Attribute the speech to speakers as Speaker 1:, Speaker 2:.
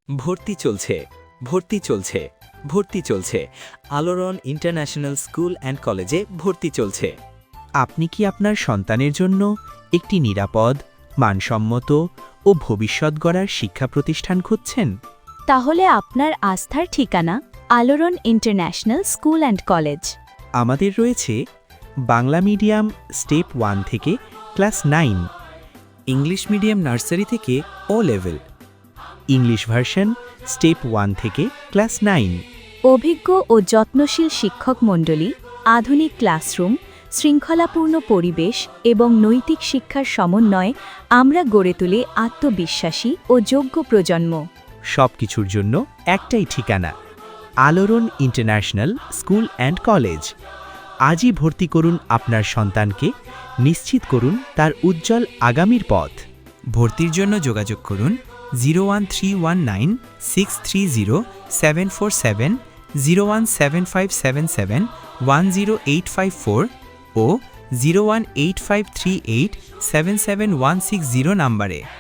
Speaker 1: ভর্তি চলছে ভর্তি চলছে ভর্তি চলছে আলোড়ন ইন্টারন্যাশনাল স্কুল অ্যান্ড কলেজে ভর্তি চলছে।
Speaker 2: আপনি কি আপনার সন্তানের জন্য একটি নিরাপদ, মানসম্মত ও ভবিষ্যৎ গড়ার শিক্ষা প্রতিষ্ঠান খুঁজছেন?
Speaker 3: তাহলে আপনার আস্থার ঠিকানা আলোড়ন ইন্টারন্যাশনাল স্কুল অ্যান্ড কলেজ।
Speaker 2: আমাদের রয়েছে বাংলা মিডিয়াম স্টেপ 1 থেকে ক্লাস 9,
Speaker 1: ইংলিশ মিডিয়াম নার্সারি থেকে O level,
Speaker 2: English version step 1 থেকে ক্লাস 9,
Speaker 3: অভিজ্ঞ ও যত্নশীল শিক্ষক মণ্ডলী, আধুনিক ক্লাসরুম, শৃঙ্খলাপূর্ণ পরিবেশ এবং নৈতিক শিক্ষার সমন্বয়ে আমরা গড়ে তুলি আত্মবিশ্বাসী ও যোগ্য প্রজন্ম।
Speaker 2: সব কিছুর জন্য একটাই ঠিকানা, আলোড়ন ইন্টারন্যাশনাল স্কুল অ্যান্ড কলেজ। আজই ভর্তি করুন আপনার সন্তানকে, নিশ্চিত করুন তার উজ্জ্বল আগামীর পথ।
Speaker 4: ভর্তির জন্য যোগাযোগ করুন 01319630747, 01757710854 ও 01853877160 নম্বরে।